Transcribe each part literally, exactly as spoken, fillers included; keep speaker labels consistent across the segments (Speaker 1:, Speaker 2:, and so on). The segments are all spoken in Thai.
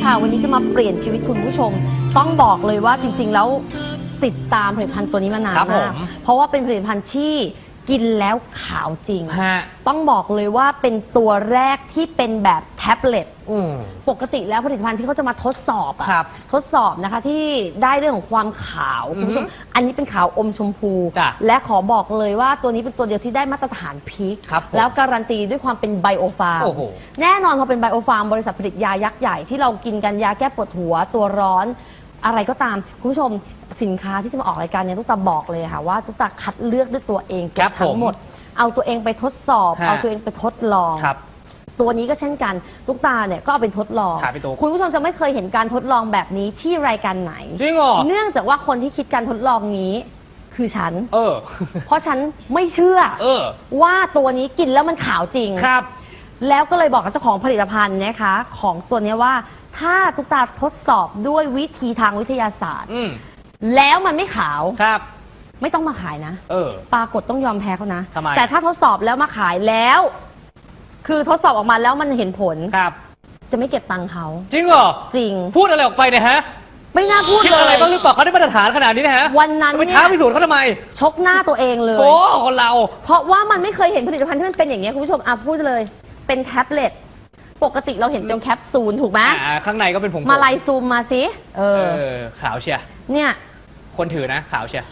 Speaker 1: ค่ะวันนี้จะมาเปลี่ยนชีวิตคุณผู้ชมต้องบอกเลยว่าจริงๆแล้วติดตามผลิตภัณฑ์ตัวนี้มานานมากเพราะว่าเป็นผลิตภัณฑ์ที่กินแล้วขาวจริงต้องบอกเลยว่าเป็นตัวแรกที่เป็นแบบแท็บเล็ตปกติแล้วผลิตภัณฑ์ที่เขาจะมาทดสอบทดสอบนะคะที่ได้เรื่องของความขาวคุณผู้ชมอันนี้เป็นขาวอมชมพูและขอบอกเลยว่าตัวนี้เป็นตัวเดียวที่ได้มาตรฐานพีคแล้วการันตีด้วยความเป็นไบโอฟาร์มแน่นอนพอเป็นไบโอฟาร์มบริษัทผลิตยายักษ์ใหญ่ที่เรากินกันยาแก้ปวดหัวตัวร้อนอะไรก็ตามคุณผู้ชมสินค้าที่จะมาออกรายการเนี่ยตุ๊กตาบอกเลยค่ะว่าตุ๊กตาคัดเลือกด้วยตัวเองทั้งหมดเอาตัวเองไปทดสอบเอาตัวเองไปทดลองตัวนี้ก็เช่นกันตุ๊กตาเนี่ยก็เอาเป็นทดลองคุณผู้ชมจะไม่เคยเห็นการทดลองแบบนี้ที่รายการไหนจริงเหรอเนื่องจากว่าคนที่คิดการทดลองนี้คือฉันเออเพราะฉันไม่เชื่อเออว่าตัวนี้กินแล้วมันขาวจริงครับแล้วก็เลยบอกกับเจ้าของผลิตภัณฑ์นะคะของตัวนี้ว่าถ้าตุ๊กตาทดสอบด้วยวิธีทางวิทยาศาสตร์แล้วมันไม่ขาวครับไม่ต้องมาขายนะเออปรากฏต้องยอมแพ้เขานะแต่ถ้าทดสอบแล้วมาขายแล้ว คือทดสอบออกมาแล้วมันเห็นผลครับจะไม่เก็บตังค์เขาจริงเหรอจริงพูดอะไรออกไปเนี่ยฮะไม่น่าพูดเลยคิดอะไรบ้างหรือเปล่าเขาได้มาตรฐานขนาดนี้นะฮะวันนั้นไปท้าพิสูจน์เขาทำไมชกหน้าตัวเองเลยโอ้คนเราเพราะว่ามันไม่เคยเห็นผลิตภัณฑ์ที่มันเป็นอย่างนี้คุณผู้ชมอ่ะพูดเลยเป็นแท็บเล็ตปกติเราเห็นเป็นแคปซูลถูกไหมข้างในก็เป็นผงมาไล่ซูมมาสิเออขาวเชียเนี่ยคนถือนะขาวเชีย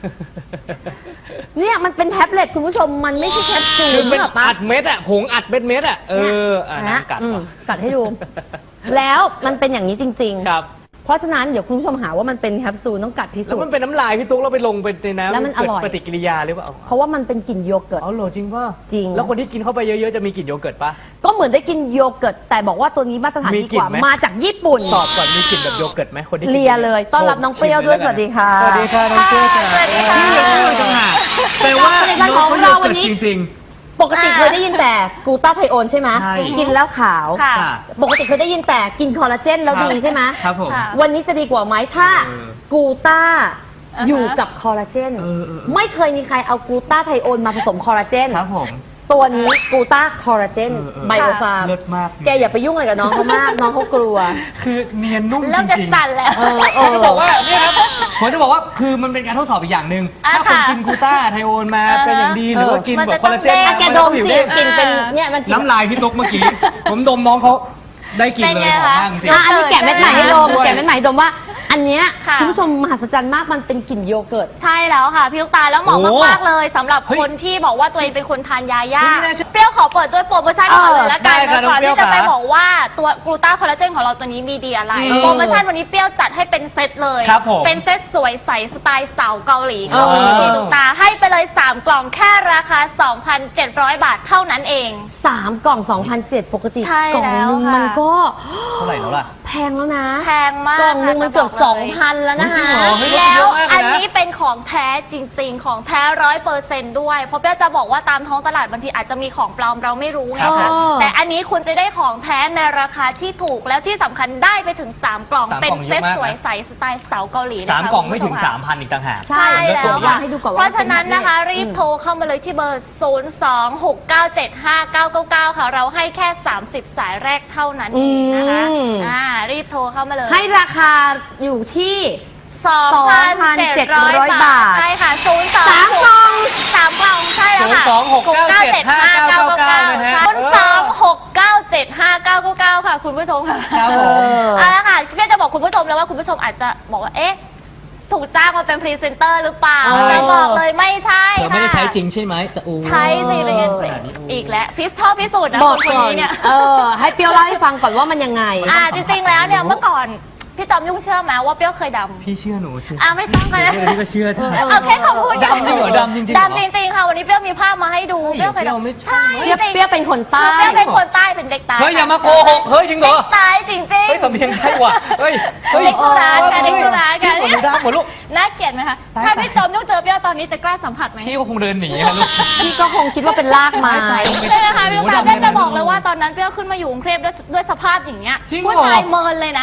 Speaker 1: เนี่ยมันเป็นแท็บเล็ตคุณผู้ชมมันไม่ใช่แคปซูลเป็นอัดเม็ดอะผงอัดเม็ดเม็ดอะเอออ่ะกัดกัดให้ดูแล้วมันเป็นอย่างนี้จริงๆครับเพราะฉะนั้นเดี๋ยวคุณผู้ชมหาว่ามันเป็นแคปซูลต้องกัดพิสูจน์แล้วมันเป็นน้ำลายพี่ตุ๊กเราไปลงไปในน้ำแล้วมันอร่อยปฏิกิริยาหรือเปล่าเพราะว่ามันเป็นกลิ่นโยเกิร์ตอ๋อเหรอจริงป่ะจริงแล้วคนที่กินเข้าไปเยอะๆจะมีกลิ่นโยเกิร์ตป่ะก็เหมือนได้กินโยเกิร์ตแต่บอกว่าตัวนี้มาตรฐานดีกว่ามาจากญี่ปุ่นตอบก่อนมีกลิ่นแบบโยเกิร์ตไหมคนที่เลียเลยต้อนรับน้องเปรี้ยวด้วยสวัสดีค่ะสวัสดีค่ะน้องเปรี้ยวสวัสดีค่ะแต่ว่าน้องเราวันนี้จริงปกติเคยได้ยินแต่กลูตาไทโอนใช่ไหมกินแล้วขาวปกติเคยได้ยินแต่กินคอลลาเจนแล้วดีใช่ไหมครับผมวันนี้จะดีกว่าไหมถ้ากลูตาอยู่กับคอลลาเจนไม่เคยมีใครเอากลูตาไทโอนมาผสมคอลลาเจนครับผมตัวนี้กลูตาคอลลาเจนไบโอฟาร์มแกอย่าไปยุ่งอะไรกับน้องเขามากน้องเขากลัวคือเนียนนุ่มจริงๆเริ่มจะสั่นแล้วผมจะบอกว่าเนี่ยครับผมจะบอกว่าคือมันเป็นการทดสอบอีกอย่างหนึ่งถ้าคนกินกลูตาไทโอนมาเป็นอย่างดีหรือว่ากินแบบคอลลาเจนแกดมสิกินเป็นเนี่ยมันน้ำลายพี่ตุ๊กเมื่อกี้ผมดมน้องเขาได้กลิ่นเลยหอมมากจริงอันนี้แกะเม็ดใหม่ให้ดมแกะเม็ดใหม่ดมว่าอันเนี้ยคุณผู้ชมมหัศจรรย์มากมันเป็นกลิ่นโยเกิร์ตใช่แล้วค่ะพี่ลูกตาแล้วเหมาะมากๆเลยสำหรับคนที่บอกว่าตัวเองเป็นคนทานยายาเปรี้ยวขอเปิดด้วยโปรโมชั่นก่อนเลยละกันก่อนที่จะไปบอกว่าตัวกลูตาคอลลาเจนของเราตัวนี้มีดีอะไรโปรโมชั่นวันนี้เปรี้ยวจัดให้เป็นเซตเลยเป็นเซตสวยใสสไตล์สาวเกาหลีเกาหลีพี่ลูกตาให้ไปเลยสามกล่องแค่ราคา สองพันเจ็ดร้อย บาทเท่านั้นเองสามกล่อง สองพันเจ็ดร้อย ปกติกล่องนึงมันก็เท่าไหร่แล้วล่ะแพงแล้วนะแพงมากกล่องนึงมันเกือบ สองพัน แล้วนะคะแล้วอันนี้เป็นของแท้จริงๆของแท้ร้อยเปอร์เซนต์ด้วยเพราะเปี้ยจะบอกว่าตามท้องตลาดบางทีอาจจะมีของปลอมเราไม่รู้ไงคะแต่อันนี้คุณจะได้ของแท้ในราคาที่ถูกแล้วที่สำคัญได้ไปถึงสามกล่องเป็นเซ็ตสวยใสสไตล์สาวเกาหลีสามกล่องไม่ถึง สามพัน อีกต่างหากใช่แล้วค่ะเพราะฉะนั้นนะคะรีบโทรเข้ามาเลยที่เบอร์ ศูนย์ สอง หก เก้า เจ็ด ห้า เก้า เก้า เก้า ค่ะเราให้แค่สามสิบสายแรกเท่านั้นเองนะคะอ่ารีบโทรเข้ามาเลยให้ราคาอยู่ที่ สองพันเจ็ดร้อย บาทใช่ค่ะศูนย์ สอง สามกล่องสามกล่องใช่แล้วค่ะศูนย์ สอง หก เก้า เจ็ด ห้า เก้า เก้า เก้านะฮะศูนย์ สอง หก เก้า เจ็ด ห้า เก้า เก้า เก้าค่ะคุณผู้ชมค่ะครับผมเอาละค่ะพี่จะบอกคุณผู้ชมแล้วว่าคุณผู้ชมอาจจะบอกว่าเอ๊ะถูกจ้างมาเป็นพรีเซนเตอร์หรือเปล่าแต่บอกเลยไม่ใช่เธอไม่ได้ใช้จริงใช่ไหมแต่อูใช่สิเป็นอีกแล้วพิสชอบพิสูจน์นะคนนี้เนี่ยเออให้เปียวเล่าให้ฟังก่อนว่ามันยังไงอ่าจริงๆแล้วเนี่ยเมื่อก่อนพี่จอมยุ่งเชื่อไหมว่าเปรี้ยวเคยดำพี่เชื่อหนูเชื่ออ่ะไม่ต้องกันนะพี่ก็เชื่อเอาแค่คำพูดดำจริงเหรอดำจริงๆดำจริงๆค่ะวันนี้เปรี้ยวมีภาพมาให้ดูเปรี้ยวเคยดำใช่เปรี้ยวเป็นคนใต้เปรี้ยวเป็นคนใต้เป็นเด็กใต้เฮ้ยอย่ามาโกหกเฮ้ยจริงเหรอใต้จริงๆเฮ้ยสำเนียงใช่ว่ะเฮ้ยเด็กสุราษฎร์ค่ะเด็กสุราษฎร์ค่ะนี่ดำหมดลูกน่าเกลียดไหมคะถ้าพี่จอมยุ่งเจอเปรี้ยวตอนนี้จะกล้าสัมผัสไหมพี่ก็คงเดินหนีค่ะลูกพี่ก็คงคิดว่าเป็นลากไม้ใช่ไหมคะพี่ลูกตาจะบอกเลยว่าตอนนั้นเปรี้ยวขึ้นมาอยู่กรุงเทพด้วยด้วยสภาพอย่างเงี้ยผู้ชายเมินเลยนะ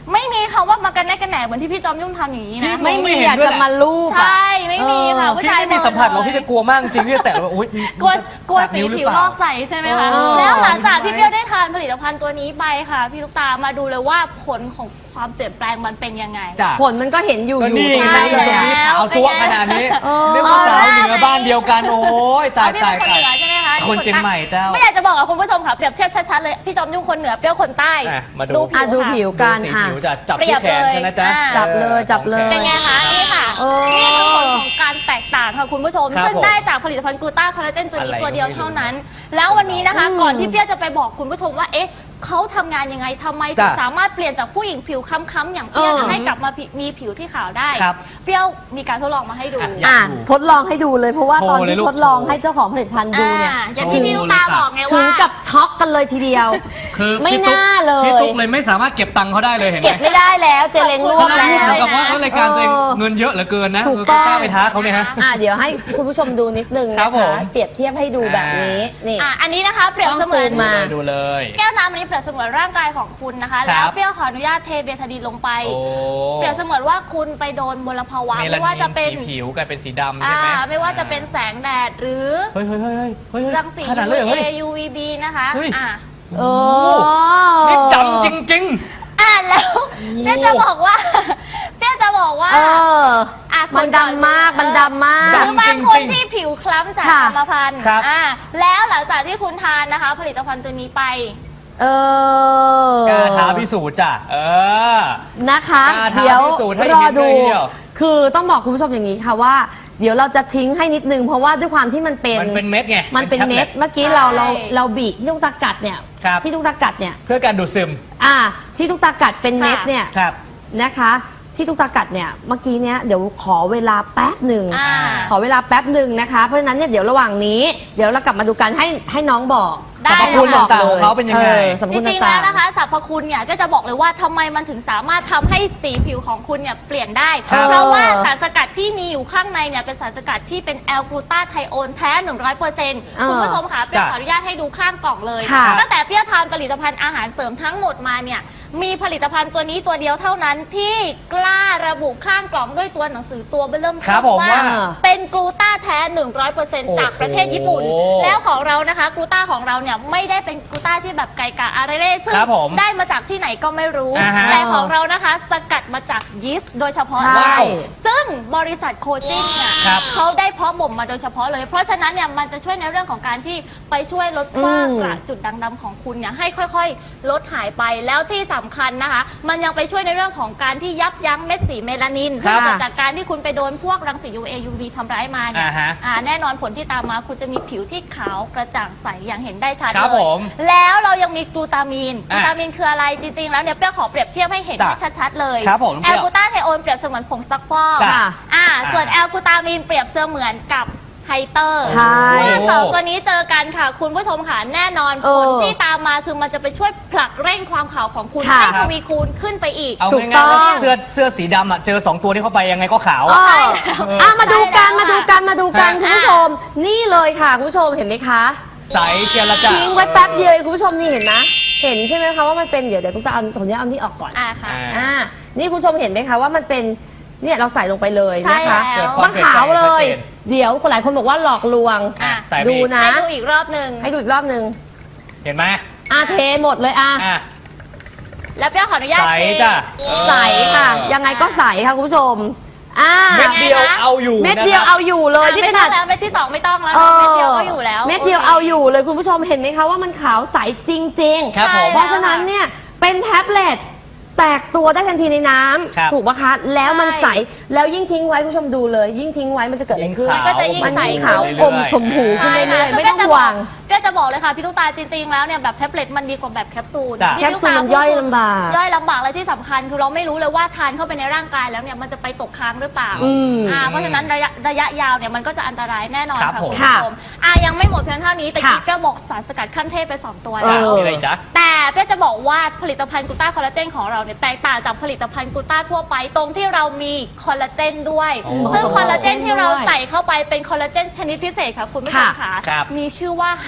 Speaker 2: ไม่มีคำว่ามากันแน่กันแหนเหมือนที่พี่จอมยุ่งทำอย่างนี้นะ
Speaker 1: ไม่มีอยากจะมาลูบ
Speaker 2: ใช่ไม่มีค่ะผู้
Speaker 3: พี่
Speaker 2: ชาย
Speaker 3: ไม่มีสัมผัสหรอกพี่จะกลัวมากจริงพี่จะแตะว่าอุ้ย
Speaker 2: กลัวกลัว
Speaker 3: ขาด
Speaker 2: สี
Speaker 3: นิ้หรือ
Speaker 2: ผิว
Speaker 3: เป
Speaker 2: ล
Speaker 3: ล่า
Speaker 2: อกใสใช่ไหมคะ
Speaker 1: เออ
Speaker 2: แล้วหลังจากที่เปรี้ยวได้ทานผลิตภัณฑ์ตัวนี้ไปค่ะพี่ลูกตามาดูเลยว่าผลของความเปลี่ยนแปลงมันเป็นยังไง
Speaker 3: จ้ะ
Speaker 1: ผลมันก็เห็นอยู่
Speaker 3: ก็
Speaker 1: อยู่
Speaker 3: นี่
Speaker 1: ตรง
Speaker 3: ไง
Speaker 1: นั้นเลย
Speaker 3: ตรง
Speaker 1: อะ
Speaker 3: นี้ขาวจั๊วะขนาดนี้
Speaker 1: เออ
Speaker 3: เรียกว่าสาวเหนือบ้านเดียวกันโอ้ยตาย
Speaker 2: พี่
Speaker 3: ตาย
Speaker 2: เป็นคน
Speaker 3: ตาย
Speaker 2: เหนือใช่ไหมคะ
Speaker 3: คนเชียงใหม่เจ้า
Speaker 2: ไม่อยากจะบอกกับคุณผู้ชมค่ะเปรียบเทียบชัดๆเลยพี่จอมยุ่งคนเหนือเปรี้ยวคนใต้
Speaker 3: อ่ะมาดู
Speaker 1: อ่ะดูผิว
Speaker 2: ค่ะ
Speaker 1: กัน
Speaker 3: สี
Speaker 1: อ่ะ
Speaker 3: ผิวจะจับ
Speaker 2: เปรี
Speaker 3: ที่
Speaker 2: ยบ
Speaker 3: แขน
Speaker 2: เลย
Speaker 3: ใช่ไหมจ๊ะ
Speaker 2: อ่า
Speaker 1: จับเลยจับเลย
Speaker 2: เป็นไงคะนี่ค่ะ
Speaker 1: เออ
Speaker 2: นี่คือผลของการแตกต่างค่ะคุณผู้ชม
Speaker 3: ครับ
Speaker 2: ซึ่ง
Speaker 3: ผม
Speaker 2: ได้จากผลิตภัณฑ์กลูต้าคอลลาเจนตัวนี้
Speaker 3: อะไร
Speaker 2: ตัวเดียว
Speaker 3: ก็ไม่รู้
Speaker 2: เท่านั้น แล้ววันนี้นะคะ
Speaker 1: อืม
Speaker 2: ก่อนที่เปรี้ยวจะไปบอกคุณผู้ชมว่าเอ๊ะเขาทำงานยังไงทำไมถึง
Speaker 3: จ้ะ
Speaker 2: สามารถเปลี่ยนจากผู้หญิงผิวค้ำๆอย่างเปรี้ยว
Speaker 1: เออ
Speaker 2: ให้กลับมามีผิวที่ขาวได้
Speaker 3: ครับ
Speaker 2: เปรี้ยวมีการทดลองมาให้ดู
Speaker 3: อ่ะ
Speaker 1: อ่ะ
Speaker 3: อยากดู
Speaker 1: ทดลองให้ดูเลยเพราะว่า
Speaker 3: โชว์
Speaker 1: ตอน
Speaker 3: เลย
Speaker 1: ที่
Speaker 3: ลูก
Speaker 1: ทดลอง
Speaker 3: โชว์
Speaker 1: ให้เจ้าของผลิตภัณฑ์ดูเนี่ย
Speaker 2: อ่าอย่างที่พี่ลูกตาบอกไง
Speaker 1: ถึ
Speaker 2: ว่า
Speaker 1: งกับช็อกกันเลยทีเดียว
Speaker 3: คือ
Speaker 1: ไม่
Speaker 3: พี่ตุ๊ก
Speaker 1: น่าเลย
Speaker 3: พี่ตุ๊กเลยไม่สามารถเก็บตังค์เขาได้เลยเห็นไหม
Speaker 1: เก็บไม่ได้แล้วเจเล้งรวบ
Speaker 3: ขนาด
Speaker 1: แล้
Speaker 3: นี้
Speaker 1: ว
Speaker 3: เหมือนกับว่าเออรายการตัวเอง
Speaker 1: เออ
Speaker 3: เงินเยอะเหลือเกินนะ
Speaker 1: ถูก
Speaker 3: เออ
Speaker 1: ต้อง
Speaker 3: กล้าไปท้าเขาเนี่ยฮะ
Speaker 1: อ่ะเดี๋ยวให้คุณผู้ชมดูนิดนึง
Speaker 3: ครั
Speaker 1: นะ
Speaker 3: บผ
Speaker 1: คะ
Speaker 3: ม
Speaker 1: เปรียบเทียบให้ดูแบบนี้นี่
Speaker 2: อ่ะอันนี้นะคะเปรียบเสมือน
Speaker 1: ต้องซูมมา
Speaker 3: ดูเลย
Speaker 2: แก้วน้ำอันนี้เปรียบเสมือนร่างกายของคุณนะคะ
Speaker 3: ครับ
Speaker 2: แล้วเปรี้ยวขออนุญาตเทเบทาดีนลงไป
Speaker 3: โอ้
Speaker 2: เปรียบเสมือนว่าคุณไปโดนมลภาวะ
Speaker 3: เมลา
Speaker 2: ไม่ว่าจะเป็น
Speaker 3: สีผิวกลายเป็นสีดำ
Speaker 2: อ่า
Speaker 3: ใช่ไหม
Speaker 2: ไม่ว่าจะเป็นแสงแดดหรือ
Speaker 3: เฮ้ยเฮ้ยเฮ้ยเฮ้ยเฮ้ย
Speaker 2: รังสี
Speaker 3: ขนาดเลยเหรอ
Speaker 2: ยู
Speaker 3: เฮ้ย
Speaker 2: วี ยู วี บี นะคะ
Speaker 3: เฮ้ย
Speaker 2: อ่ะ
Speaker 1: โอ้
Speaker 3: นี่ดำจริง
Speaker 2: อ่ะแล้วเปรี้ยวจะบอกว่า เปรี้ยวจะบอกว่า
Speaker 1: เออ
Speaker 2: อ่ะ
Speaker 1: มันดำมากมันดำมาก
Speaker 2: หรือบางคน
Speaker 3: จริงๆ
Speaker 2: ที่ผิวคล้ำจาก
Speaker 1: ค่ะ
Speaker 2: กรรมพันธุ์
Speaker 3: ครับ
Speaker 2: อ่ะแล้วหลังจากที่คุณทานนะคะ ผลิตภัณฑ์ตัวนี้ไป
Speaker 1: เออ
Speaker 3: ๆกล้าท้าพิสูจน์จ้ะเออ
Speaker 1: นะคะ
Speaker 3: กล้าท้า
Speaker 1: เดี๋ยว
Speaker 3: พิสูจน์ให้
Speaker 1: รอ
Speaker 3: เห็น
Speaker 1: ดู
Speaker 3: เลยทีเดียว
Speaker 1: คือต้องบอกคุณผู้ชมอย่างนี้ค่ะว่า เดี๋ยวเราจะทิ้งให้นิดนึง เพราะว่าด้วยความที่มันเป็น
Speaker 3: มันเป็นเม็ดไง
Speaker 1: มันเป็นเม็ด
Speaker 3: แท็บล็ต
Speaker 1: เมื่อกี้เราเราเราบีบที่ลูกตากัดเนี่ย
Speaker 3: ครับ
Speaker 1: ที่ลูกตากัดเนี่ย
Speaker 3: เพื่อการดูดซึม
Speaker 1: อ่าที่ลูกตากัดเป็นเม็ดเนี่ย
Speaker 3: ครับ
Speaker 1: นะคะ ที่ลูกตากัดเนี่ยเมื่อกี้เนี้ยเดี๋ยวขอเวลาแป๊บหนึ่ง
Speaker 2: อ่า
Speaker 1: ขอเวลาแป๊บหนึ่งนะคะ เพราะฉะนั้นเนี่ยเดี๋ยวระหว่างนี้ เดี๋ยวเรากลับมาดูกันให้ให้น้องบอก
Speaker 2: ได้
Speaker 3: สรรพคุณต่างๆของเขาเป็นยังไง
Speaker 1: ออสรรพ
Speaker 2: จ
Speaker 1: คุณ
Speaker 2: ริงๆ
Speaker 1: ต่า
Speaker 2: แล้ว
Speaker 1: ง
Speaker 2: นะคะสรรพคุณเนี่ยก็จะบอกเลยว่าทำไมมันถึงสามารถทำให้สีผิวของคุณเนี่ยเปลี่ยนได้
Speaker 3: ครับ
Speaker 2: เพราะว่าสารสกัดที่มีอยู่ข้างในเนี่ยเป็นสารสกัดที่เป็นแอลกลูตาไทโอนแท้ หนึ่งร้อยเปอร์เซ็นต์
Speaker 1: อ่า
Speaker 2: คุณผู้ชมค่ะเปรี้ยว
Speaker 3: จ้ะ
Speaker 2: ขออนุญาตให้ดูข้างกล่องเลย
Speaker 1: ค่ะ
Speaker 2: ตั้งแต่เปรี้ยวทานผลิตภัณฑ์อาหารเสริมทั้งหมดมาเนี่ยมีผลิตภัณฑ์ตัวนี้ตัวเดียวเท่านั้นที่กล้าระบุข้างกล่องด้วยตัวหนังสือตัวเบิ่ม
Speaker 3: ครับผมว่า
Speaker 2: เป็นกลูตาแท้ หนึ่งร้อยเปอร์เซ็นต์ จากประเทศญี่ปุ่น
Speaker 3: โอ้โห
Speaker 2: แล้วของเรานะคะกลูต้าของเราเนี่ยไม่ได้เป็นกลูต้าที่แบบไก่กะอะไรเร่ซึ่ง
Speaker 3: ครับผม
Speaker 2: ได้มาจากที่ไหนก็ไม่รู้
Speaker 3: อ่าฮะ
Speaker 2: แต่ของเรานะคะสกัดมาจากยีสต์โดยเฉพาะ
Speaker 1: ใช่
Speaker 2: เลย ซึ่งบริษัทโคจินเนี่ย
Speaker 3: ครับ
Speaker 2: เขาได้เพาะบ่มมาโดยเฉพาะเลย เพราะฉะนั้นเนี่ยมันจะช่วยในเรื่องของการที่ไปช่วยลดฝ้ากระจุดด่างดำของคุณเนี่ยให้ค่อยๆ ลดหายไปแล้วที่สำคัญนะคะ มันยังไปช่วยในเรื่องของการที่ยับยั้งเม็ดสีเมลานิน
Speaker 3: ครั
Speaker 2: ซึ่ง
Speaker 3: บ
Speaker 2: เกิดจากการที่คุณไปโดนพวกรังสี ยู เอ ยู วี ทำร้ายมาเนี่ย
Speaker 3: อ่าฮะ
Speaker 2: อ่าแน่นอนผลที่ตามมาคุณจะมีผิวที่ขาวกระจ่างใสอย่างเห็นได้ชัด
Speaker 3: ครับ
Speaker 2: เลย
Speaker 3: ผม
Speaker 2: แล้วเรายังมีกลูตามีนก
Speaker 3: อ่ะ
Speaker 2: ลูตามีนคืออะไรจริงๆแล้วเนี่ยเปรี้ยวขอเปรียบเทียบให้เห็น
Speaker 3: จ้ะ
Speaker 2: ให้ชัดๆเลย
Speaker 3: ครับผม
Speaker 2: แอลกลูตาไทโอนเปรียบเสมือนผงซักฟอก
Speaker 3: จ้ะ
Speaker 1: ค่ะ
Speaker 2: อ่า
Speaker 3: อ่า
Speaker 2: ส่วนแอลกลูตามีนเปรียบเสมือนกับไฮเตอร์
Speaker 1: ใช่
Speaker 2: เมื่อสองตัวนี้เจอกันค่ะ คุณผู้ชมค่ะแน่นอน
Speaker 1: เอ
Speaker 2: ผ
Speaker 1: อ
Speaker 2: ลที่ตามมาคือมันจะไปช่วยผลักเร่งความขาวของคุณ
Speaker 1: ค่ะ
Speaker 2: ให้ทวีคูณขึ้นไปอีก
Speaker 3: เอา
Speaker 1: ถูก
Speaker 3: ง่ายๆว่า
Speaker 1: ต้อง
Speaker 3: เสื้อเสื้อสีดำอ่ะเจอสองตัวที่เข้าไปยังไงก็ขาว
Speaker 1: เอ
Speaker 3: อะ
Speaker 1: ออ่ะมาดูกัน
Speaker 2: ใช่แล้ว
Speaker 1: มาดูกันมาดูกัน
Speaker 3: ฮะ
Speaker 1: คุณผู้ชม นี่เลยค่ะคุณผู้ชมเห็นไหมคะ
Speaker 3: ใสเจียละจ้ะ
Speaker 1: ทิ้งไว้แป๊บเดียวเองคุณผู้ชมนี่เห็นนะเห็นใช่ไหมคะว่ามันเป็นเดี๋ยวเดี๋ยวตุ๊กตาเอาผมจะเอานี่ออกก่อน
Speaker 2: อ่าค่ะ
Speaker 3: อ่า
Speaker 1: อ่านี่คุณผู้ชมเห็นไหมคะว่ามันเป็นเนี่ยเราใส่ลงไปเลย
Speaker 2: ใช่
Speaker 1: นะคะ
Speaker 2: แล้ว
Speaker 1: มันขาวเลย
Speaker 3: ชัดเจน
Speaker 1: เดี๋ยวคนหลายคนบอกว่าหลอกลวง
Speaker 2: อ่ะ
Speaker 3: ใส่ไป
Speaker 1: ดู
Speaker 3: อีก
Speaker 1: นะ
Speaker 2: ให้ดูอีกรอบหนึ่ง
Speaker 1: ให้ดูอีกรอบหนึ่ง
Speaker 3: เห็นไหม
Speaker 1: อ่ะเทหมดเลยอ่ะ
Speaker 3: อ่ะ
Speaker 2: แล้วเปรี้ยวขออนุญาต
Speaker 3: ใส
Speaker 2: เท
Speaker 3: จ้ะ
Speaker 1: ใสค่ะ ยังไงก็ใสค่ะคุณผู้ชมอ่า
Speaker 3: เม็ดเดียวเอาอยู่
Speaker 1: เม็ดเดียว
Speaker 3: นะครับ
Speaker 1: เอาอยู่เลย
Speaker 2: อ่ะ
Speaker 1: ที่
Speaker 2: ไม่
Speaker 1: ข
Speaker 2: ต้
Speaker 1: นา
Speaker 2: อง
Speaker 1: ด
Speaker 2: แล้วเม็ดที่สองไม่ต้องแล้ว
Speaker 1: ออ
Speaker 2: เม็ดเดียวก็อยู่แล้ว
Speaker 1: เม็ดเดียวเอาอยู่เลยคุณผู้ชมเห็นไหมคะว่ามันขาวใสจริง
Speaker 3: ครับผม
Speaker 1: ๆ เพราะฉะนั้นเนี่ยเป็นแท็บเล็ตแตกตัวได้ทันทีในน้
Speaker 3: ครับ
Speaker 1: ำถูกปะคะแล้วมัน
Speaker 2: ใช่
Speaker 1: ใสแล้วยิ่งทิ้งไว้คุณผู้ชมดูเลย ยิ่งทิ้งไว้มันจะเกิดอะไรขึ้น
Speaker 3: ยิ่งขาว
Speaker 2: ก็จะยิ่ง
Speaker 1: มัน
Speaker 2: ใส
Speaker 1: ยิ่งขาว
Speaker 3: เรื่อยๆ
Speaker 1: อมชมพูขึ้น
Speaker 2: ใช่
Speaker 1: เรื่อยๆ
Speaker 2: ค่ะ
Speaker 1: ไม่ต้อง
Speaker 2: ก็จะ
Speaker 1: ห่วง
Speaker 2: ก็จะบอกเลยค่ะพี่ลูกตาจริงๆแล้วเนี่ยแบบแท็บเล็ตมันดีกว่าแบบแคปซูล
Speaker 3: จ้ะ
Speaker 2: ที่
Speaker 1: แคปซูลมันย่อยลำบาก
Speaker 2: ย่อยลำบากและที่สำคัญคือเราไม่รู้เลยว่าทานเข้าไปในร่างกายแล้วเนี่ยมันจะไปตกค้างหรือเปล่า
Speaker 1: อืม
Speaker 2: อ่าเพราะฉะนั้นระยะระยะยาวเนี่ยมันก็จะอันตรายแน่นอน
Speaker 3: ครับ
Speaker 2: ค่ะ
Speaker 3: ผ
Speaker 2: คุ
Speaker 3: ม
Speaker 2: ณผู้ชมอ่ายังไม่หมดเพียงเท่านี้แต่
Speaker 1: ค่ะ
Speaker 2: กี้เปรี้ยวบอกสารสกัดขั้นเทพไปสองตัว
Speaker 1: เอ
Speaker 2: แล้ว
Speaker 1: อ
Speaker 3: มีอะไรจ๊ะ
Speaker 2: แต่เพื่อจะบอกว่าผลิตภัณฑ์กลูต้าคอลลาเจนของเราเนี่ยแตกต่างจากผลิตภัณฑ์กลูต้าทั่วไปตรงที่เรามีคอลลาเจนด้วย
Speaker 3: โอ้
Speaker 2: ซึ่งคอลลาเจนที่เราใส่เข้าไปเป็นคอลลาเจนชนิดพิเศษค่ะคุณผู้ชมค่ะ
Speaker 3: ครับ
Speaker 2: มีชื่อว่าไฮ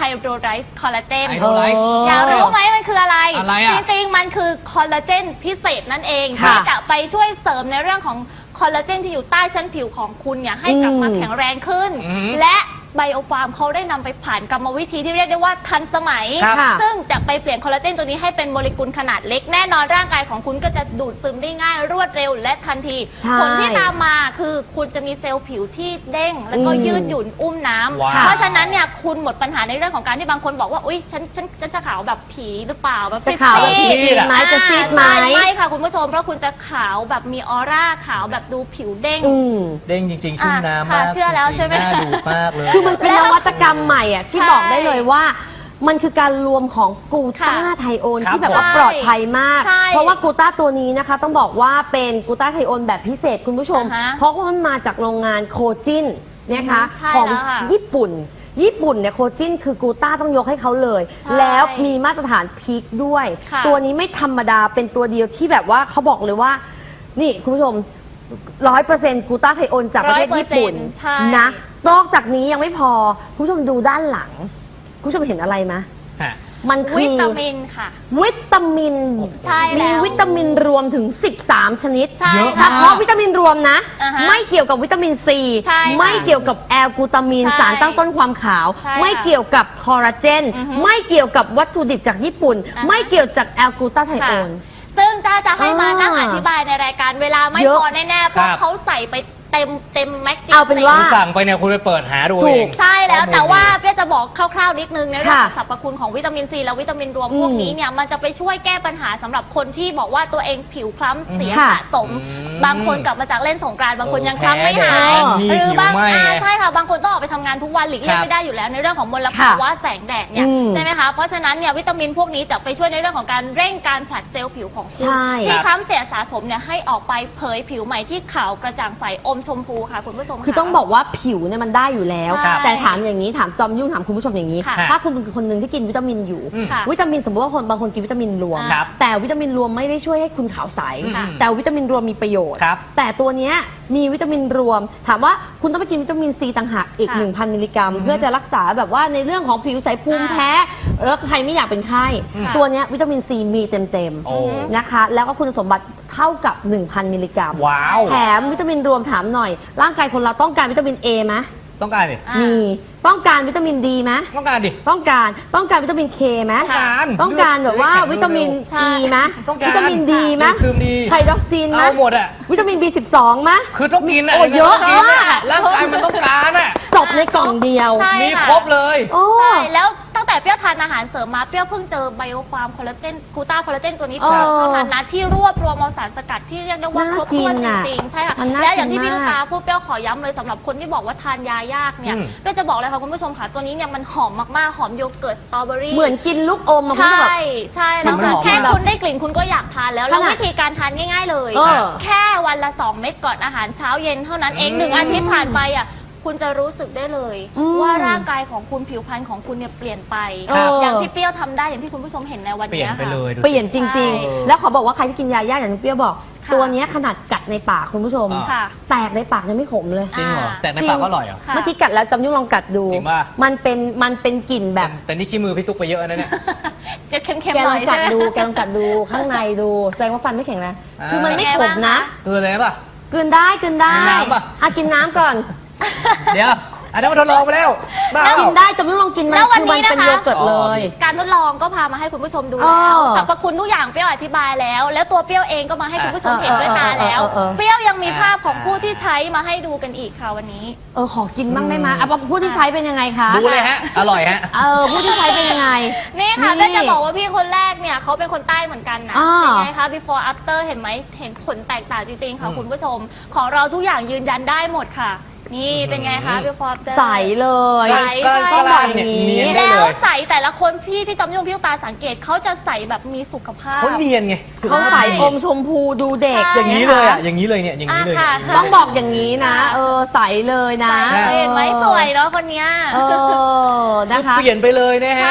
Speaker 2: โดรไลซ์คอลลาเจน
Speaker 3: ไฮโดรไลซ์
Speaker 2: อยากรู้ไหมมันคืออะไร
Speaker 3: อะไรอะ
Speaker 2: จริงๆมันคือคอลลาเจนพิเศษนั่นเอง
Speaker 1: ค่ะ
Speaker 2: ที่จะไปช่วยเสริมในเรื่องของคอลลาเจนที่อยู่ใต้ชั้นผิวของคุณเนี่ยให้กลับมา
Speaker 1: อืม
Speaker 2: แข็งแรงขึ้น
Speaker 3: อืม
Speaker 2: และไบโอฟาร์มเขาได้นำไปผ่านกรรมวิธีที่เรียกได้ว่าทันสมัย
Speaker 3: ครับ
Speaker 1: ค่ะ
Speaker 2: ซึ่งจะไปเปลี่ยนคอลลาเจนตัวนี้ให้เป็นโมเลกุลขนาดเล็กแน่นอนร่างกายของคุณก็จะดูดซึมได้ง่ายรวดเร็วและทันที
Speaker 1: ใช่
Speaker 2: ผลที่ตามมาคือคุณจะมีเซลล์ผิวที่เด้ง แล้วก็
Speaker 1: อืม
Speaker 2: ยืดหยุ่นอุ้มน้ำ
Speaker 3: ว้าว
Speaker 2: เพราะฉะนั้นเนี่ยคุณหมดปัญหาในเรื่องของการที่บางคนบอกว่าอุ๊ยฉันฉันฉันจะขาวแบบผีหรือเปล่าแบบ
Speaker 1: จะขาวแบบ
Speaker 2: ซี
Speaker 1: พี
Speaker 2: ด
Speaker 1: จริงไหมจะซีดไหม
Speaker 2: อ่าใช่ไม่ค่ะคุณผู้ชมเพราะคุณจะขาวแบบมีออร่าขาวแบบดูผิวเด้ง
Speaker 1: อืม
Speaker 3: เด้งจริงๆชุ่มน้ำ
Speaker 2: ค่ะ
Speaker 3: มาก
Speaker 2: เชื่อแล้วใช่ไหม
Speaker 3: จริงๆน่าดูมากเลย
Speaker 1: คือมันเป็นนวัตกรรมใหม่อ่ะที่
Speaker 2: ใช่
Speaker 1: บอกได้เลยว่า มันคือการรวมของกลูต้า
Speaker 2: ค่ะ
Speaker 1: ไทโอน
Speaker 3: ครับ
Speaker 1: ที่แบบว่า
Speaker 2: ผม
Speaker 1: ปลอดภัยมาก
Speaker 2: ใช่
Speaker 1: เพราะว่ากลูต้าตัวนี้นะคะ ต้องบอกว่าเป็นกลูต้าไทโอนแบบพิเศษคุณผู้ชม
Speaker 2: อ่าฮะ
Speaker 1: เพราะว่ามันมาจากโรงงานโคจินนะคะ
Speaker 2: อืมใช่
Speaker 1: ของ
Speaker 2: แล้วค่ะ
Speaker 1: ญี่ปุ่น ญี่ปุ่นเนี่ยโคจินคือกลูต้าต้องยกให้เขาเลย
Speaker 2: ใช่
Speaker 1: แล้วมีมาตรฐานพีคด้วย
Speaker 2: ค่ะ
Speaker 1: ตัวนี้ไม่ธรรมดาเป็นตัวเดียวที่แบบว่าเขาบอกเลยว่า นี่คุณผู้ชมร้อยเปอร์เซ็นต์กลูต้าไทโอนจากประเทศญี่ปุ่น
Speaker 2: ใช่
Speaker 1: นะ นอกจากนี้ยังไม่พอ คุณผู้ชมดูด้านหลัง คุณผู้ชมเห็นอะไรไหม
Speaker 3: ฮะ
Speaker 1: มันคือ
Speaker 2: วิตามินค่ะ
Speaker 1: วิตามิน
Speaker 2: ใช่แล้ว
Speaker 1: มีวิตามินรวมถึง สิบสาม ชนิด
Speaker 2: ใช่
Speaker 3: เยอะ
Speaker 1: เฉ
Speaker 3: มาก
Speaker 1: พาะวิตามินรวมนะ
Speaker 2: อ่าฮะ
Speaker 1: ไม่เกี่ยวกับวิตามินซี
Speaker 2: ใช่ค่ะ
Speaker 1: ไม่เกี่ยวกับแอลกลูตามีน
Speaker 2: ใช่
Speaker 1: สารตั้งต้นความขาว
Speaker 2: ใช่ค่ะ
Speaker 1: ไม่เกี่ยวกับคอลลาเจน
Speaker 2: อือฮึ
Speaker 1: ไม่เกี่ยวกับวัตถุดิบจากญี่ปุ่น
Speaker 2: อ่าฮะ
Speaker 1: ไม่เกี่ยวจากแอลกลูตาไทโอน
Speaker 2: ซึ่งจ้าจะให้มา
Speaker 1: อ่า
Speaker 2: นั่งอธิบายในรายการเวลาไม่
Speaker 1: เยอะ
Speaker 2: พอแน่ๆเพราะ
Speaker 3: ครับ
Speaker 2: เขาใส่ไปเต็มเต็มแม็กซ์จริง
Speaker 1: เอาเป็นว่า
Speaker 3: คุณสั่งไปเนี่ยคุณไปเปิดหาดู
Speaker 1: ถู
Speaker 3: เอก ง
Speaker 2: ใช่แล้ว
Speaker 3: ข้อมูล
Speaker 2: แต่ว่าเปี้ยจะบอกคร่าวๆนิดนึงในเรื่องของ
Speaker 1: ค่ะ
Speaker 2: สรรพคุณของวิตามินซีและวิตามินรวม
Speaker 1: อืม
Speaker 2: พวกนี้เนี่ยมันจะไปช่วยแก้ปัญหาสำหรับคนที่บอกว่าตัวเองผิวคล้ำเสีย
Speaker 1: ค่ะ
Speaker 2: สะสม
Speaker 3: อืม
Speaker 2: บางคนกลับมาจากเล่นสงกรานต์บางคน
Speaker 3: เออ
Speaker 2: ยังคล้ำไม่หาย
Speaker 3: แพ้แดดมี
Speaker 2: หรือบาง
Speaker 3: ผิวไหม้
Speaker 2: อ่า
Speaker 3: ไง
Speaker 2: ใช่ค่ะบางคนต้องออกไปทำงานทุกวันหลีกเลี่ยง
Speaker 3: ครับ
Speaker 2: ไม่ได้อยู่แล้วในเรื่องของมล
Speaker 1: ค่ะ
Speaker 2: ภาวะแสงแดดเนี่ย
Speaker 1: อืม
Speaker 2: ใช่ไหมคะเพราะฉะนั้นเนี่ยวิตามินพวกนี้จะไปช่วยในเรื่องของการเร่งการผลัดเซลล์ผิวของคุณ
Speaker 1: ใช่
Speaker 2: ที่
Speaker 3: ครับ
Speaker 2: คล้ำเสียสะสมเนี่ยให้ออกไปเผยผิวใหม่ที่ขาวกระจ่างใสอมชมพูค่ะคุณผู้ชม
Speaker 1: คือต้องบอกว่าผิวเนี่ยมันได้อยู่แล้ว
Speaker 2: ใช่
Speaker 1: แต่ถามอย่างนี้ถามจอมยุ่งถามคุณผู้ชมอย่างนี้
Speaker 2: ค่ะ
Speaker 1: ถ้าคุณเป็นคนหนึ่งที่กินวิตามินอยู่
Speaker 3: อืม
Speaker 2: ค่ะ
Speaker 1: วิตามินสมมติว่าคนบางคนกินวิตามินรวม
Speaker 3: ครับ
Speaker 1: แต่วิตามินรวมไม่ได้ช่วยให้คุณขาวใส
Speaker 2: ค่ะ
Speaker 1: แต่วิตามินรวมมีประโยชน์
Speaker 3: ครับ
Speaker 1: แต่ตัวเนี้ยมีวิตามินรวม ถามว่าคุณต้องไปกินวิตามินซีต่างหากอีก
Speaker 2: ค่ะ
Speaker 1: หนึ่งพัน มิลลิกรัม เพื่อจะรักษาแบบว่าในเรื่องของผิวใสภูมิ
Speaker 2: อ่า
Speaker 1: แพ้ แล้วใครไม่อยากเป็นไข้
Speaker 2: ค่ะ
Speaker 1: ตัวเนี้ยวิตามินซีมีเต็ม
Speaker 3: โอ้
Speaker 1: ๆนะคะ แล้วก็คุณสมบัติเท่ากับ หนึ่งพัน มิลลิกรัม
Speaker 3: ว้าว
Speaker 1: แถมวิตามินรวมถามหน่อย ร่างกายคนเราต้องการวิตามิน A ไหม
Speaker 3: ต้องการดิ
Speaker 2: อ่ะ
Speaker 1: มีต้องการวิตามินดีไหม
Speaker 3: ต้องการดิ
Speaker 1: ต้องการต้องการวิตามินเคไหม
Speaker 3: ต้องการ
Speaker 1: ต้องการแบบว่า
Speaker 3: เลือด
Speaker 1: วิตามิน
Speaker 2: ใช่
Speaker 1: อีไหม
Speaker 3: ต้องการ
Speaker 1: วิตามินดีไหม
Speaker 3: ซึมดี
Speaker 1: ไฮดรอกซินไหม
Speaker 3: เอาหมดอ่ะ
Speaker 1: วิตามิน บี สิบสองไหม
Speaker 3: คือต้องกินอ่ะ
Speaker 1: โอ้เยอะ
Speaker 3: ต้องกิน
Speaker 1: มาก
Speaker 3: ร่างกายมันต้องการอ่ะ
Speaker 1: จบในกล่องเดียว
Speaker 2: ใช่
Speaker 3: มี
Speaker 2: ค่ะ
Speaker 3: ครบเลย
Speaker 1: โอ้
Speaker 2: ใช่แล้วตั้งแต่เปรี้ยวทานอาหารเสริมมาเปรี้ยวเพิ่งเจอไบโอฟาร์มคอลลาเจนกลูต้าคอลลาเจนตัวนี้
Speaker 1: เออ
Speaker 2: เท่านั้นนะที่รวบรวมเอาสารสกัดที่เรียกได้ว่า
Speaker 1: น่า
Speaker 2: ครบถ้วน
Speaker 1: กิน
Speaker 2: จ
Speaker 1: น่ะ
Speaker 2: ริงๆใช่ค่ะ
Speaker 1: มันน่า
Speaker 2: และอย่างที่
Speaker 1: กิน
Speaker 2: พี่ลูกตาม
Speaker 1: าก
Speaker 2: พูดเปรี้ยวขอย้ำเลยสำหรับคนที่บอกว่าทานยายากเนี่ย
Speaker 3: อืม
Speaker 2: เปรี้ยวจะบอกเลยค่ะคุณผู้ชมค่ะตัวนี้เนี่ยมันหอมมากๆหอมโยเกิร์ตสตรอเบอรี่
Speaker 1: เหมือนกินลูกอมอะคุณ
Speaker 2: ใช่
Speaker 1: แบบ
Speaker 2: ใช่แล้ว
Speaker 3: มันหอม
Speaker 2: แค่
Speaker 3: มาก
Speaker 2: คุณได้กลิ่นคุณก็อยากทานแล้วแล้ว
Speaker 1: ขนาด
Speaker 2: วิธีการทานง่าย ๆเลย
Speaker 1: เออ
Speaker 2: แค่วันละสองเม็ดก่อนอาหารเช้าเย็นเท่านั้นเอง
Speaker 3: อืม
Speaker 2: หนึ่งอาทิตย์ผ่านไปอ่ะคุณจะรู้สึกได้เลย
Speaker 1: อืม
Speaker 2: ว่าร่างกายของคุณผิวพรรณของคุณเนี่ยเปลี่ยนไป
Speaker 1: ครับ
Speaker 2: อย่างที่เปรี้ยวทำได้อย่างที่คุณผู้ชมเห็นในวัน
Speaker 3: เปลี่ย
Speaker 2: นี้
Speaker 3: นไป
Speaker 2: ค่ะ
Speaker 3: เลยดูสิ
Speaker 1: เปลี่ยนจริง
Speaker 2: ใช่
Speaker 1: ๆ แล้วขอบอกว่าใครที่กินยาย่าอย่างที่เปรี้ยวบอก
Speaker 2: ค่ะ
Speaker 1: ตัวเนี้ยขนาดกัดในปากคุณผู้ชม
Speaker 3: อ่า
Speaker 2: ค่ะ
Speaker 1: แตกในปากยังไม่ขมเลย
Speaker 3: จริงเหรอ
Speaker 2: อ่า
Speaker 3: แต่ในปากก็อร่อยเหรอ
Speaker 2: ค่ะ
Speaker 1: เมื่อกี้กัดแล้วจำยุ่งลองกัดดู
Speaker 3: จริงป่ะ
Speaker 1: มันเป็นมันเป็นกลิ่นแบบ
Speaker 3: แต่นี่ขี้มือพี่ตุ๊กไปเยอะนะเนี่ย
Speaker 2: จะเค็ม
Speaker 1: แก
Speaker 2: ๆห
Speaker 1: ล
Speaker 2: น่
Speaker 1: อ
Speaker 2: อง ย
Speaker 1: กั
Speaker 2: ใช่
Speaker 1: ด
Speaker 2: ไหม
Speaker 1: ดูแกลองกัดดูข้างในดูแสดงว่าฟันไม่แข็งแรง
Speaker 3: อ่า
Speaker 1: คือมันไม่
Speaker 2: เป็น
Speaker 1: ข
Speaker 2: ไง
Speaker 1: ม
Speaker 2: บ้าง
Speaker 1: นะ
Speaker 2: คะ
Speaker 3: คืออะไรป่ะ
Speaker 1: กลืนได้กลืนได้
Speaker 3: น้ำปะ
Speaker 1: อ่ะกินน้ำก่อน
Speaker 3: เดี๋ยว อันนั้นมันทดลองไปแล้วบ้า
Speaker 1: กินได้จำยุ่งลองกินมัน
Speaker 2: แล้ววัน
Speaker 1: คือมัน
Speaker 2: นี้
Speaker 1: เป็น
Speaker 2: นะคะ
Speaker 1: โยเกิร์ตเลย
Speaker 2: การทดลองก็พามาให้คุณผู้ชมดู
Speaker 1: เอ
Speaker 2: แล้ว
Speaker 1: อ
Speaker 2: สรรพคุณทุกอย่างเปรี้ยวอธิบายแล้ว แล้วตัวเปรี้ยวเองก็มาให้คุณผู้ชมเห็นด้วยตาแล้ว
Speaker 1: เออเออเออเออ
Speaker 2: เปรี้ยวยังมีภาพของผู้ที่ใช้มาให้ดูกันอีกค่ะวันนี้
Speaker 1: เออขอกินบ้างได้ไหมอ่ะผู้ที่ใช้เป็นยังไงคะ
Speaker 3: ดูเลยฮะ อร่อยฮะ
Speaker 1: เออผู้ที่ใช้เป็นยังไง
Speaker 2: นี่ค่ะ
Speaker 1: นี่
Speaker 2: ก็จะบอกว่าพี่คนแรกเนี่ยเขาเป็นคนใต้เหมือนกันนะ
Speaker 1: อ่า
Speaker 2: เป็นไงคะ before after เห็นไหมเห็นผลแตกต่างจริงๆค่ะ
Speaker 3: อืม
Speaker 2: คุณผู้ชม ของเราทุกอย่างยืนยันได้หมดค่ะ นี่เป็นไงคะ before after
Speaker 1: ใสเลย
Speaker 2: ใส
Speaker 3: ก็
Speaker 2: ใช่
Speaker 3: ก็ลานเนี่ยเนียนได้
Speaker 2: แล้
Speaker 3: เล
Speaker 2: วย ใส่แต่ละคนพี่พี่จอมยุ่งพี่ลูกตาสังเกตเขาจะใส่แบบมีสุขภาพ
Speaker 3: เขาเนียนไง
Speaker 1: เขาใสอมชมพูดูเด็ก
Speaker 2: ใช่
Speaker 3: อย่างนี้เลยอ่ะ อย่างนี้เลยเนี่ย อย่างนี้เลย
Speaker 2: อ่ะ
Speaker 3: เนี่ย
Speaker 2: ค่ะ
Speaker 1: ต้องบอกอย่างนี้นะ เออใสเลยนะ
Speaker 2: ใส่เห็นไหมสวยเนาะคนเนี้ย
Speaker 1: เออนะคะ
Speaker 3: เปลี่ยนไปเลยนะฮะ
Speaker 2: ใช่ค่ะ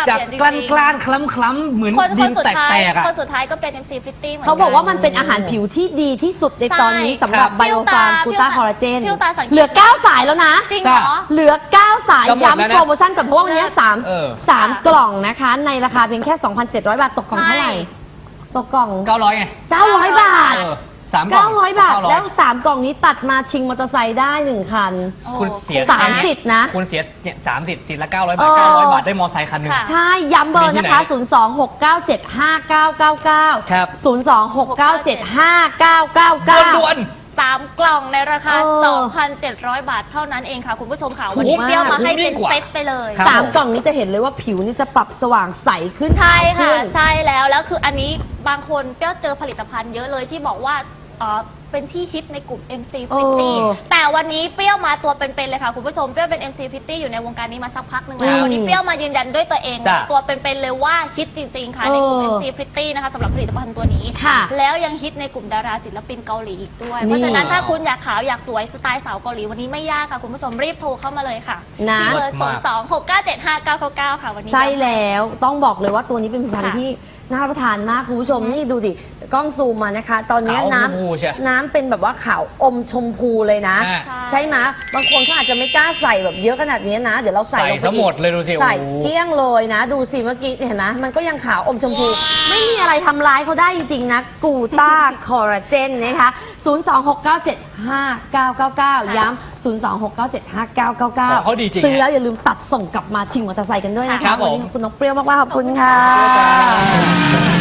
Speaker 3: จาก
Speaker 2: เปลี่ยนจริง
Speaker 3: ก
Speaker 2: ๆ
Speaker 3: ล้านกล้านคล้ำคล้ำๆเหมือน
Speaker 2: คน
Speaker 3: ดิ
Speaker 2: คน
Speaker 3: น
Speaker 2: สุด
Speaker 3: แต
Speaker 2: ท้าย
Speaker 3: กๆอ่ะ
Speaker 2: คนสุดท้ายก็เป็น เอ็ม ซี Pretty เหมือนกัน
Speaker 1: เขาบอกว่ามันเป็นอาหารผิวที่ดีที่สุดในตอนนี้
Speaker 2: ใช่
Speaker 1: สำหรับ
Speaker 2: ครับ
Speaker 1: ไบโอฟาร์ม
Speaker 2: พี่
Speaker 1: กู
Speaker 2: ตา
Speaker 1: ต้าคอลลาเจน
Speaker 2: พี่ตาสังเกต
Speaker 1: เหลือ เก้า สายแล้วนะ
Speaker 2: จริงเหรอ
Speaker 1: เหลือ เก้า สาย
Speaker 3: จะหมดแล้วนะ
Speaker 1: ย้ำโปรโมชั่นก่อนเพราะว่าวันนี้สาม
Speaker 3: เออ
Speaker 1: สามกล่องนะคะ ในราคาเพียงแค่ สองพันเจ็ดร้อย บาทตกกล่องเท่าไหร่
Speaker 2: ใช่
Speaker 1: ตกกล่อง
Speaker 3: เก้าร้อยไง
Speaker 1: เก้าร้อย บาท
Speaker 3: เออสามกล่อง
Speaker 1: เก้าร้อย บาท
Speaker 3: เก้ร้อย
Speaker 1: แล้ว สาม กล่องนี้ตัดมาชิงมอเตอร์ไซค์ได้หนึ่งคัน
Speaker 3: คุณเสีย
Speaker 1: สามสิทธิ์นะ
Speaker 3: คุณเสียเนี่ยสามสิทธิ์สิทธิ์ละเก้าร้อยบาท
Speaker 1: เออ
Speaker 3: เก้าร้อยบาทได้มอไซค์คันหนึ่ง
Speaker 2: ค่ะ
Speaker 1: ใช่ ย้ำเบอร์นะคะ
Speaker 3: มีที่ไหน
Speaker 1: ศูนย์ สอง หก เก้า เจ็ด ห้า เก้า เก้า เก้า
Speaker 3: ครับ
Speaker 1: ศูนย์ สอง หก เก้า เจ็ด ห้า เก้า เก้า เก้า
Speaker 3: ด่วน
Speaker 2: สามกล่องในราคา
Speaker 1: เออ
Speaker 2: สองพันเจ็ดร้อย บาทเท่านั้นเองค่ะ คุณผู้ชมค่ะ
Speaker 1: ถูก
Speaker 2: วันนี้
Speaker 1: มาก
Speaker 2: เปรี้ยวมาให้
Speaker 3: ถูกยิ่
Speaker 2: เป็น
Speaker 3: งกว่า
Speaker 2: เซตไปเลย
Speaker 3: ครับ
Speaker 1: สาม
Speaker 3: ผม
Speaker 1: กล่องนี้จะเห็นเลยว่าผิวนี่จะปรับสว่างใสขึ้น
Speaker 2: ใช่ค่ะ
Speaker 1: ขึ้น
Speaker 2: ใช่แล้วแล้วคืออันนี้บางคนเปรี้ยวเจอผลิตภัณฑ์เยอะเลยที่บอกว่าอ๋อเป็นที่ฮิตในกลุ่ม เอ็ม ซี Pretty
Speaker 1: เออ
Speaker 2: แต่วันนี้เปรี้ยวมาตัวเป็นๆเลยค่ะคุณผู้ชมเปรี้ยวเป็น เอ็ม ซี Pretty อยู่ในวงการนี้มาสักพักหนึ่งแล้ว
Speaker 1: อืม
Speaker 2: วันนี้เปรี้ยวมายืนยันด้วยตัวเอง
Speaker 3: จ้ะ
Speaker 2: ตัวเป็นๆเลยว่าฮิตจริงๆค่ะในกลุ่ม
Speaker 1: เออ
Speaker 2: เอ็ม ซี Pretty นะคะสำหรับผลิตภัณฑ์ตัวนี้
Speaker 1: ค่ะ
Speaker 2: แล้วยังฮิตในกลุ่มดาราศิลปินเกาหลีอีกด้วย
Speaker 1: นี่
Speaker 2: เพราะฉะนั้นถ้าคุณอยากขาวอยากสวยสไตล์สาวเกาหลีวันนี้ไม่ยากค่ะคุณผู้ชมรีบโทรเข้ามาเลยค่ะ
Speaker 1: นะ
Speaker 2: ที่เบอร์ศูนย์สองหกเก้าเจ็ดห้าเก้าเก้าเก้าค่ะวันนี้
Speaker 1: ใช่แล้วต้องบอกเลยว่าตัวนี้เป็นผลิตภัณฑ์
Speaker 2: ค่ะ
Speaker 1: ที่น่ารับประทานมากคุณผู้ชมนี่ดูดิกล้องซูมมานะคะ ตอนนี้
Speaker 3: ขาว
Speaker 1: น้
Speaker 3: ชมพูใช่
Speaker 1: ำน้ำเป็นแบบว่าขาวอมชมพูเลยนะ
Speaker 3: อ่า
Speaker 2: ใช่
Speaker 1: ใช่ไหมบางคนเขาอาจจะไม่กล้าใส่แบบเยอะขนาดนี้นะ เดี๋ยวเราใส่
Speaker 3: ใส่
Speaker 1: ลงไป
Speaker 3: ซะหมดเลยดูสิ
Speaker 1: ใส่
Speaker 3: โอ้โห
Speaker 1: เกลี้ยงเลยนะ ดูสิเมื่อกี้เห็นไหมมันก็ยังขาวอมชมพู ไม่มีอะไรทำร้ายเขาได้จริงๆนะกูต้าคอลลาเจนนะคะ ศูนย์ สอง หก เก้า เจ็ด ห้า เก้า เก้า เก้า ย้ำ ศูนย์ สอง หก เก้า เจ็ด ห้า เก้า เก้า เก้า
Speaker 3: ของเขาดีจริง
Speaker 1: ซื้อแล้วอย่าลืมตัดส่งกลับมาชิงมอเตอร์ไซค์กันด้วยนะ
Speaker 3: ครั
Speaker 1: คะ
Speaker 3: บผม
Speaker 1: วันนี้ขอบคุณน้องเปรี้ยวมากๆขอบคุณค่ะ
Speaker 3: จ้า